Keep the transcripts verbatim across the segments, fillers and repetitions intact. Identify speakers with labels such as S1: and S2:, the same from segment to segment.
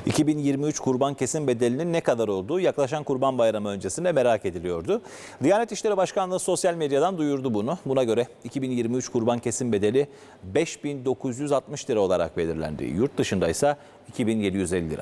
S1: iki bin yirmi üç kurban kesim bedelinin ne kadar olduğu yaklaşan Kurban Bayramı öncesinde merak ediliyordu. Diyanet İşleri Başkanlığı sosyal medyadan duyurdu bunu. Buna göre iki bin yirmi üç kurban kesim bedeli beş bin dokuz yüz altmış lira olarak belirlendi. Yurt dışında ise iki bin yedi yüz elli lira.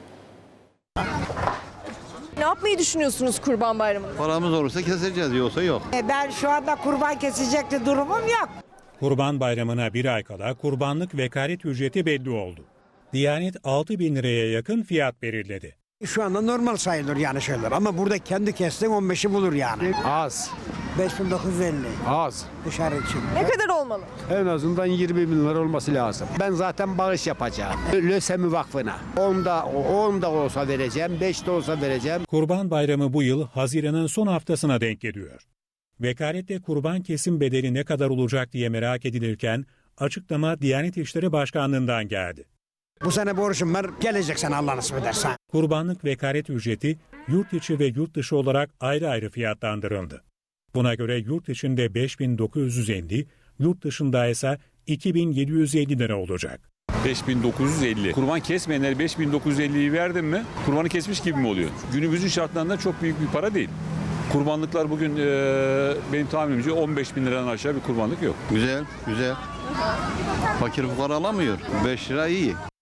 S2: Ne yapmayı düşünüyorsunuz Kurban Bayramı'nda?
S3: Paramız olursa keseceğiz, yoksa yok.
S4: Ben şu anda kurban kesecekti durumum yok.
S5: Kurban Bayramı'na bir ay kala kurbanlık vekalet ücreti belli oldu. Diyanet altı bin liraya yakın fiyat belirledi.
S6: Şu anda normal sayılır yani şeyler ama burada kendi kestin on beşi bulur yani.
S7: Az,
S6: beş bin dokuz yüz elli
S7: az.
S6: dışarı için.
S2: Ne kadar olmalı?
S7: En azından yirmi bin lira olması lazım. Ben zaten bağış yapacağım. Lösemi Vakfı'na. onda, onda olsa vereceğim, beşte olsa vereceğim.
S5: Kurban Bayramı bu yıl Haziran'ın son haftasına denk geliyor. Vekalette kurban kesim bedeli ne kadar olacak diye merak edilirken açıklama Diyanet İşleri Başkanlığı'ndan geldi.
S6: Bu sene borcum var, gelecek sene Allah nasip ederse.
S5: Kurbanlık vekalet ücreti yurt içi ve yurt dışı olarak ayrı ayrı fiyatlandırıldı. Buna göre yurt içinde beş bin dokuz yüz elli, yurt dışında ise iki bin yedi yüz elli lira olacak.
S8: beş bin dokuz yüz elli. Kurban kesmeyenler beş bin dokuz yüz elliyi verdim mi kurbanı kesmiş gibi mi oluyor? Günümüzün şartlarında çok büyük bir para değil. Kurbanlıklar bugün e, benim tahminimce on beş bin liradan aşağı bir kurbanlık yok.
S3: Güzel, güzel. Fakir fukara alamıyor. beş lira iyi.